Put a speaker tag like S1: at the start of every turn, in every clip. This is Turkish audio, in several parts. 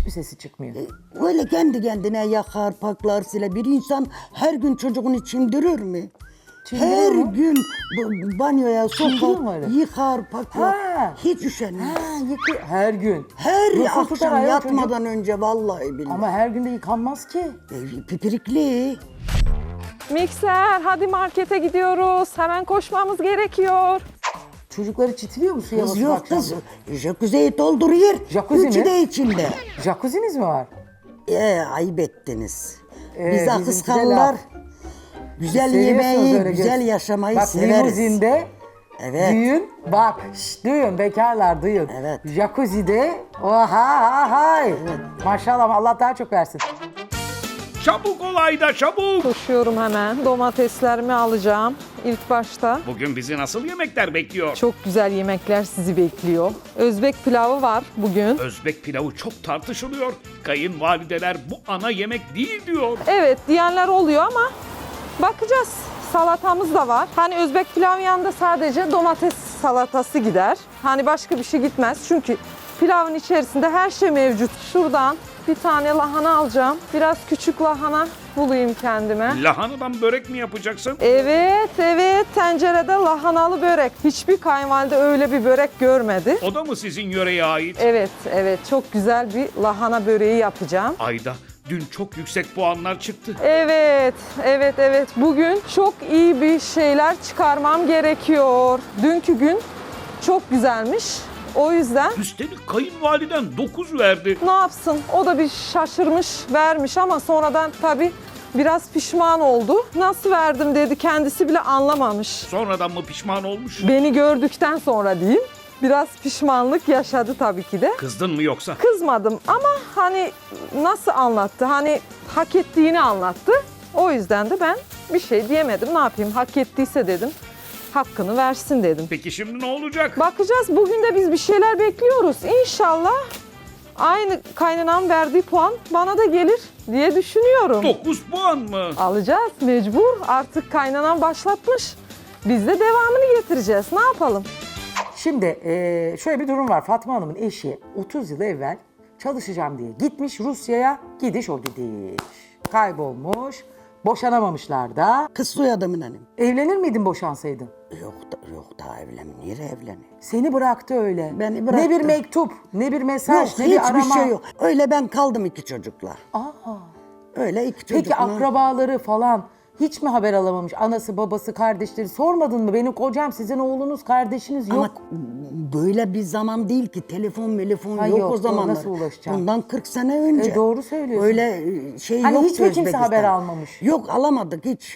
S1: hiçbir sesi çıkmıyor.
S2: Öyle kendi kendine yakar, paklar, siler. Bir insan her gün çocuğunu çimdirir mi?
S1: Çimdiriyor
S2: Her
S1: mu?
S2: gün banyoya
S1: Çimdiriyor mu
S2: sokar,
S1: öyle?
S2: yıkar, paklar.
S1: Ha.
S2: Hiç üşenmez.
S1: Her gün.
S2: Her
S1: Nasıl tutar
S2: akşam
S1: ayol
S2: yatmadan önce vallahi billahi.
S1: Ama her gün de yıkanmaz ki.
S2: Pipirikli.
S3: Mikser, hadi markete gidiyoruz. Hemen koşmamız gerekiyor.
S1: Çocukları çitiliyor mu suya
S2: Kız
S1: basıp
S2: yok
S1: akşam?
S2: kız. Jacuzziyi dolduruyor.
S1: Jacuzzi
S2: Üçü
S1: mi?
S2: de içinde.
S1: Jacuzzi'niz mi var?
S2: Ayıp ettiniz. Biz
S1: bizimki de
S2: akıskanlar
S1: laf.
S2: güzel
S1: Seviyorsunuz
S2: yemeği,
S1: öyle
S2: güzel
S1: göz-
S2: yaşamayı
S1: Bak,
S2: severiz.
S1: limuzinde
S2: Evet.
S1: düğün, bak duyun bekarlar duyun.
S2: Evet.
S1: Jacuzzi'de oha hay. Maşallah Allah daha çok versin.
S4: Çabuk olayda çabuk.
S3: Koşuyorum hemen. Domateslerimi alacağım ilk başta.
S4: Bugün bizi nasıl yemekler bekliyor?
S3: Çok güzel yemekler sizi bekliyor. Özbek pilavı var bugün.
S4: Özbek pilavı çok tartışılıyor. Kayınvalideler bu ana yemek değil diyor.
S3: Evet diyenler oluyor ama bakacağız. Salatamız da var. Hani Özbek pilavın yanında sadece domates salatası gider. Hani başka bir şey gitmez. Çünkü pilavın içerisinde her şey mevcut. Şuradan bir tane lahana alacağım. Biraz küçük lahana bulayım kendime.
S4: Lahanadan börek mi yapacaksın?
S3: Evet, tencerede lahanalı börek. Hiçbir kayınvalide öyle bir börek görmedi.
S4: O da mı sizin yöreye ait?
S3: Evet, çok güzel bir lahana böreği yapacağım.
S4: Ayda dün çok yüksek puanlar çıktı.
S3: Evet. Bugün çok iyi bir şeyler çıkarmam gerekiyor. Dünkü gün çok güzelmiş. O yüzden
S4: Üstelik kayınvaliden 9 verdi.
S3: ne yapsın? O da bir şaşırmış, vermiş ama sonradan tabii biraz pişman oldu. Nasıl verdim dedi, kendisi bile anlamamış.
S4: Sonradan mı pişman olmuş?
S3: Beni gördükten sonra diyeyim. Biraz pişmanlık yaşadı tabii ki de.
S4: Kızdın mı yoksa?
S3: Kızmadım ama hani nasıl anlattı? Hani hak ettiğini anlattı. O yüzden de ben bir şey diyemedim. Ne yapayım? Hak ettiyse dedim. Hakkını versin dedim.
S4: Peki şimdi ne olacak?
S3: Bakacağız. Bugün de biz bir şeyler bekliyoruz. İnşallah aynı kaynanam verdiği puan bana da gelir diye düşünüyorum.
S4: 9 puan mı?
S3: Alacağız mecbur. Artık kaynanam başlatmış. Biz de devamını getireceğiz. Ne yapalım?
S1: Şimdi şöyle bir durum var. Fatma Hanım'ın eşi 30 yıl evvel çalışacağım diye gitmiş Rusya'ya, gidiş o gidiş. Kaybolmuş, boşanamamışlar da.
S2: Kız soyadımın hanım.
S1: Evlenir miydin boşansaydın?
S2: Yok daha evlenmiyor, evleniyor.
S1: Seni bıraktı öyle.
S2: Beni
S1: Ne
S2: bıraktı.
S1: bir mektup, ne bir mesaj,
S2: Yok
S1: ne bir arama.
S2: hiçbir şey yok. Öyle ben kaldım iki çocukla.
S1: Aa.
S2: Öyle iki
S1: Peki
S2: çocukla.
S1: akrabaları falan hiç mi haber alamamış? Anası, babası, kardeşleri sormadın mı? Benim kocam, sizin oğlunuz, kardeşiniz yok.
S2: Ama böyle bir zaman değil ki telefon
S1: Ha,
S2: yok
S1: yok,
S2: o zamanlar.
S1: nasıl ulaşacağım?
S2: Bundan 40 sene önce.
S1: Doğru söylüyorsun.
S2: Öyle şey
S1: Hani
S2: yoktu
S1: hiç mi kimse
S2: Özbekistan.
S1: haber almamış?
S2: Yok alamadık hiç.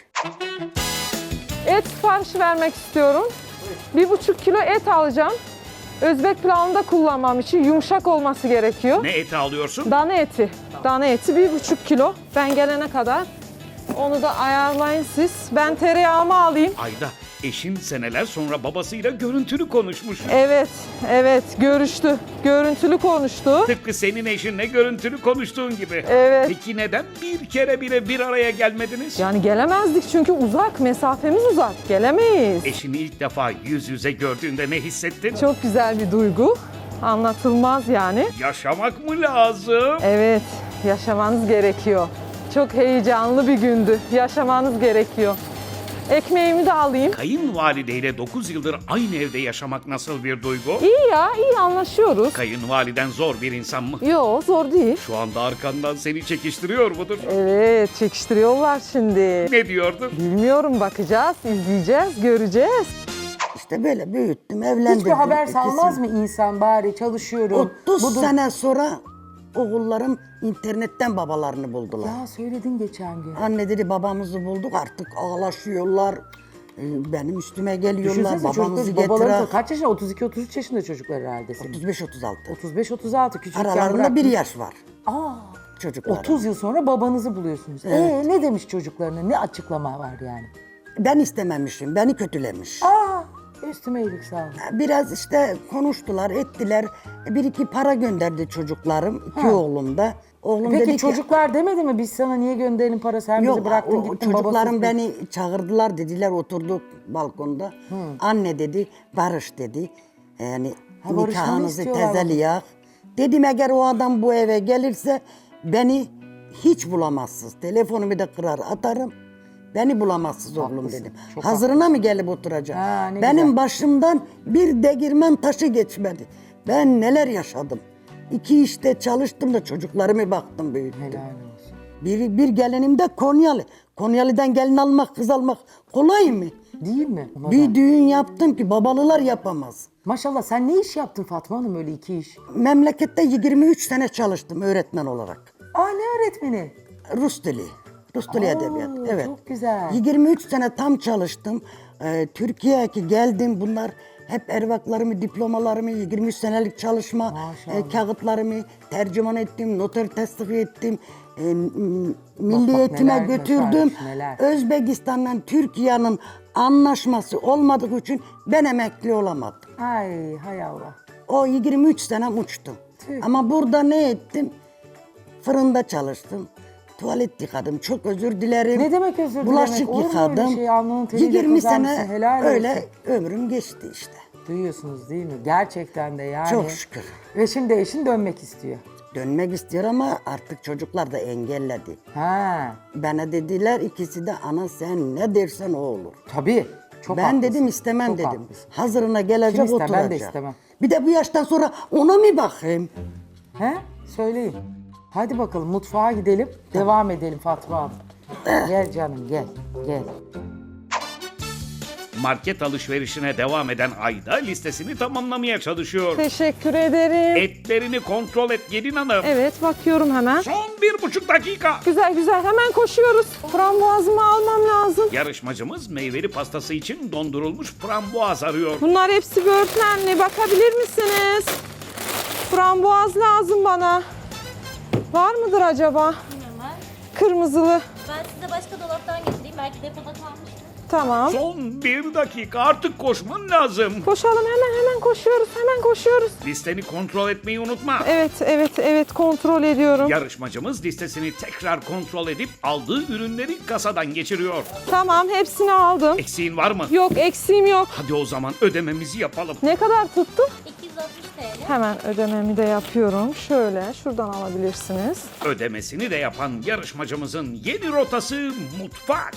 S3: Et siparişi vermek istiyorum. 1,5 kilo et alacağım. Özbek pilavında kullanmam için yumuşak olması gerekiyor.
S4: Ne eti alıyorsun?
S3: Dana eti. Dana eti 1,5 kilo. Ben gelene kadar onu da ayarlayın siz. Ben tereyağımı alayım.
S4: Ayda eşin seneler sonra babasıyla görüntülü konuşmuş.
S3: Evet görüştü. Görüntülü konuştu.
S4: Tıpkı senin eşinle görüntülü konuştuğun gibi.
S3: Evet.
S4: Peki neden bir kere bile bir araya gelmediniz?
S3: Yani gelemezdik çünkü uzak, mesafemiz uzak. Gelemeyiz.
S4: Eşini ilk defa yüz yüze gördüğünde ne hissettin?
S3: Çok güzel bir duygu. Anlatılmaz yani.
S4: Yaşamak mı lazım?
S3: Evet, yaşamanız gerekiyor. Çok heyecanlı bir gündü. Yaşamanız gerekiyor. Ekmeğimi de alayım.
S4: Kayınvalideyle 9 yıldır aynı evde yaşamak nasıl bir duygu?
S3: İyi anlaşıyoruz.
S4: Kayınvaliden zor bir insan mı?
S3: Yo, zor değil.
S4: Şu anda arkandan seni çekiştiriyor mudur?
S3: Evet, çekiştiriyorlar şimdi.
S4: Ne diyordur?
S3: Bilmiyorum, bakacağız, izleyeceğiz, göreceğiz.
S2: İşte böyle büyüttüm, evlendirdim.
S1: Hiçbir haber
S2: ikisini.
S1: salmaz mı insan bari çalışıyorum?
S2: 30 sene sonra oğullarım internetten babalarını buldular.
S1: Ya söyledin geçen gün.
S2: Anne dedi babamızı bulduk artık ağlaşıyorlar. Benim üstüme geliyorlar
S1: Düşünsene
S2: babamızı
S1: çocuklar, babaları
S2: getir.
S1: kaç yaşında? 32-33 yaşında çocuklar herhalde senin.
S2: 35-36.
S1: 35-36 küçükken
S2: Aralarında
S1: bıraktın.
S2: bir yaş var
S1: Aa,
S2: çocuklar.
S1: 30 yıl sonra babanızı buluyorsunuz.
S2: Evet.
S1: Ne demiş çocuklarına? Ne açıklama var yani?
S2: Ben istememişim, beni kötülemiş.
S1: Aa, üstüme iyilik sağ olun.
S2: Biraz işte konuştular, ettiler. Bir iki para gönderdi çocuklarım, iki oğlum da. Oğlum
S1: Peki
S2: dedi ki,
S1: çocuklar demedi mi biz sana niye gönderelim para, sen bizi
S2: yok
S1: bıraktın
S2: o
S1: gittin
S2: çocuklarım
S1: babasız.
S2: beni çağırdılar dediler, oturduk balkonda. Anne dedi, barış dedi. Yani
S1: Ha, barışmanı
S2: nikahınızı
S1: istiyorlar.
S2: tezeliyak. Dedim eğer o adam bu eve gelirse beni hiç bulamazsınız. Telefonumu da kırar atarım. Beni bulamazsınız oğlum
S1: Haklısın,
S2: dedim.
S1: çok
S2: Hazırına mı gelip oturacak?
S1: Ha, ne
S2: Benim
S1: güzel.
S2: başımdan bir degirmen taşı geçmedi. Ben neler yaşadım. 2 işte çalıştım da çocuklarımı baktım büyüttüm.
S1: Helal olsun.
S2: Bir gelinim de Konyalı. Konyalı'dan gelin almak, kız almak kolay mı?
S1: Değil mi? Ona da.
S2: Bir düğün yaptım ki babalılar yapamaz.
S1: Maşallah sen ne iş yaptın Fatma Hanım öyle 2 iş?
S2: Memlekette 23 sene çalıştım öğretmen olarak.
S1: Aa ne öğretmeni?
S2: Rus dili. Rus dili edebiyat. Evet.
S1: Çok güzel.
S2: 23 sene tam çalıştım. Türkiye'ye geldim. Bunlar hep ervaklarımı, diplomalarımı, 23 senelik çalışma
S1: Maşallah.
S2: kağıtlarımı tercüman ettim, noter tasdik ettim. Milli
S1: bak,
S2: eğitime
S1: neler
S2: götürdüm.
S1: başarmış, neler.
S2: Özbekistan'la Türkiye'nin anlaşması olmadığı için ben emekli olamadım.
S1: Ay hay Allah.
S2: O 23 sene uçtum.
S1: Tüh.
S2: Ama burada ne ettim? Fırında çalıştım. Tuvalet yıkadım. Çok özür dilerim.
S1: Ne demek özür dilemek?
S2: Bulaşık
S1: Olur mu öyle
S2: yıkadım.
S1: şey? Alnının teriyle
S2: 20
S1: kazanmışsın,
S2: sene
S1: helal
S2: öyle
S1: olsun.
S2: ömrüm geçti işte.
S1: Duyuyorsunuz değil mi? Gerçekten de yani.
S2: Çok şükür.
S1: Ve şimdi eşin dönmek istiyor.
S2: Dönmek istiyor ama artık çocuklar da engelledi.
S1: Ha,
S2: Bana dediler ikisi de ana sen ne dersen o olur.
S1: tabii. Çok
S2: Ben
S1: haklısın.
S2: dedim istemem
S1: Çok
S2: dedim.
S1: haklısın.
S2: Hazırına gelecek
S1: Kim ister?
S2: oturacak.
S1: Ben de istemem.
S2: Bir de bu yaştan sonra ona mı bakayım?
S1: He? Söyleyin. Hadi bakalım mutfağa gidelim. Devam edelim Fatma Hanım. Gel canım gel. Gel.
S4: Market alışverişine devam eden Ayda listesini tamamlamaya çalışıyor.
S3: Teşekkür ederim.
S4: Etlerini kontrol et gelin hanım.
S3: Evet bakıyorum hemen.
S4: Son 1,5 dakika.
S3: Güzel güzel hemen koşuyoruz. Frambuazımı almam lazım.
S4: Yarışmacımız meyveli pastası için dondurulmuş frambuaz arıyor.
S3: Bunlar hepsi böğürtlenli. Bakabilir misiniz? Frambuaz lazım bana. Var mıdır acaba?
S5: Bilmiyorum var.
S3: Kırmızılı.
S5: Ben size başka dolaptan getireyim. Belki depoda kalmıştır.
S3: Tamam.
S4: Son 1 dakika artık koşman lazım.
S3: Koşalım hemen koşuyoruz. Hemen koşuyoruz.
S4: Listeni kontrol etmeyi unutma.
S3: Evet kontrol ediyorum.
S4: Yarışmacımız listesini tekrar kontrol edip aldığı ürünleri kasadan geçiriyor.
S3: Tamam hepsini aldım.
S4: Eksiğin var mı?
S3: Yok eksiğim yok.
S4: Hadi o zaman ödememizi yapalım.
S3: Ne kadar tuttu?
S5: 260 TL.
S3: Hemen ödememi de yapıyorum. Şöyle şuradan alabilirsiniz.
S4: Ödemesini de yapan yarışmacımızın yeni rotası mutfak.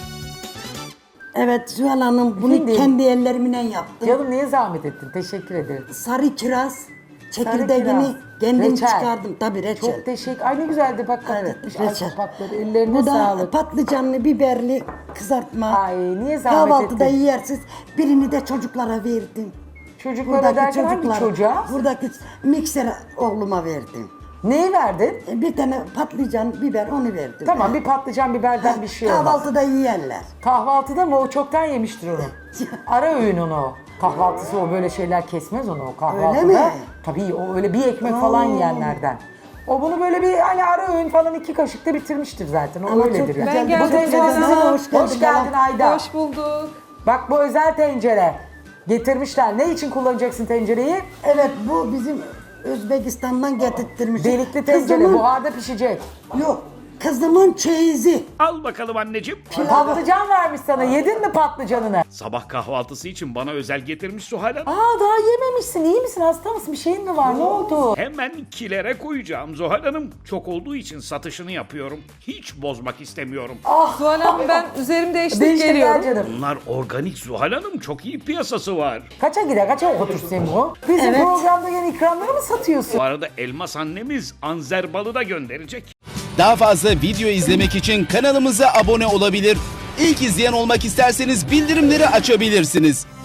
S2: Evet Zuhal Hanım bunu
S1: Şimdi-
S2: kendi ellerimle yaptım.
S1: Canım niye zahmet ettin? Teşekkür ederim.
S2: Sarı kiraz
S1: Sarı
S2: çekirdeğini
S1: kiraz.
S2: kendim
S1: Reçel.
S2: çıkardım. Tabii reçel.
S1: Çok teşekkür. Ay ne güzeldi bak
S2: Evet,
S1: gitmiş ay
S2: reçel.
S1: kapakları. Ellerine
S2: Bu da
S1: sağlık.
S2: patlıcanlı, biberli kızartma.
S1: Ay niye zahmet
S2: Kahvaltıda
S1: ettin?
S2: yersiniz. Birini de çocuklara verdim.
S1: Çocuklara derken hangi çocuğa?
S2: Buradaki mikser oğluma verdim.
S1: Neyi verdin?
S2: Bir tane patlıcan, biber onu verdim.
S1: Tamam bir patlıcan biberden bir şey olmaz.
S2: Kahvaltıda yiyerler.
S1: Kahvaltıda mı? O çoktan yemiştir onu. Ara öğün onu. Kahvaltısı o böyle şeyler kesmez onu o kahvaltıda.
S2: Öyle mi?
S1: Tabii o öyle bir ekmek falan yiyenlerden. O bunu böyle bir hani ara öğün falan 2 kaşıkta bitirmiştir zaten. O
S2: Ama
S1: öyledir
S2: çok
S1: yani.
S3: Ben
S2: güzel.
S3: geldim
S1: Bu tencere
S3: Zuhal
S1: sizin.
S3: Hanım.
S1: Hoş geldin Ayda.
S3: Hoş bulduk.
S1: Bak bu özel tencere. Getirmişler. Ne için kullanacaksın tencereyi?
S2: Evet bu bizim Özbekistan'dan getirttirmiş.
S1: Delikli tencere. Buharda pişecek.
S2: Yok. Kızımın çeyizi.
S4: Al bakalım anneciğim.
S1: Patlıcan vermiş sana. Yedin mi patlıcanını?
S4: Sabah kahvaltısı için bana özel getirmiş Zuhal Hanım.
S1: Aa daha yememişsin. İyi misin? Hasta mısın? Bir şeyin mi var? Ne oldu?
S4: Hemen kilere koyacağım Zuhal Hanım. Çok olduğu için satışını yapıyorum. Hiç bozmak istemiyorum.
S3: Zuhal Hanım ben üzerim değiştirip
S1: Değiştir
S3: geliyorum.
S1: gel canım.
S4: Bunlar organik Zuhal Hanım. Çok iyi piyasası var.
S1: Kaça gider? Kaça otursun bu? Bizim
S2: Evet.
S1: programda yeni ikramları mı satıyorsun?
S4: Bu arada Elmas annemiz anzer balı da gönderecek.
S6: Daha fazla video izlemek için kanalımıza abone olabilir. İlk izleyen olmak isterseniz bildirimleri açabilirsiniz.